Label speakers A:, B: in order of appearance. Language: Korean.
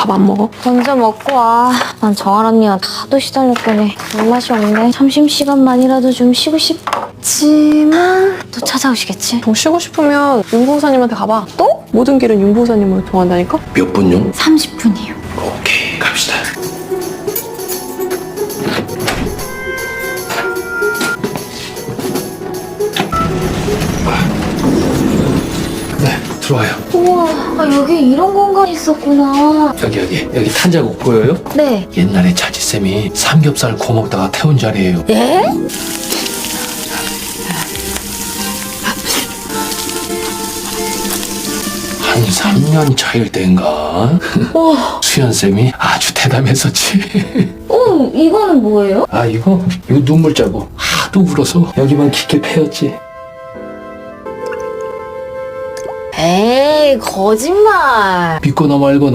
A: 밥 안 먹어?
B: 먼저 먹고 와. 난 정한 언니가 하도 시달렸더니 입맛이 없네. 점심시간만이라도 좀 쉬고 싶지만 또 찾아오시겠지?
A: 좀 쉬고 싶으면 윤보호사님한테 가봐. 또? 모든 길은 윤보호사님으로 통한다니까?
C: 몇 분용?
B: 30분이요.
C: 오케이, 갑시다. 네, 들어와요.
B: 우와, 여기 이런 공간이 있었구나.
C: 여기 탄자국 보여요?
B: 네.
C: 옛날에 자지쌤이 삼겹살 구워 먹다가 태운 자리예요.
B: 예?
C: 한 3년 차일 때인가? 수연쌤이 아주 대담했었지.
B: 이거는 뭐예요?
C: 아, 이거 눈물 자국. 하도 울어서 여기만 깊게 패였지.
B: 에이, 거짓말.
C: 믿거나 말거나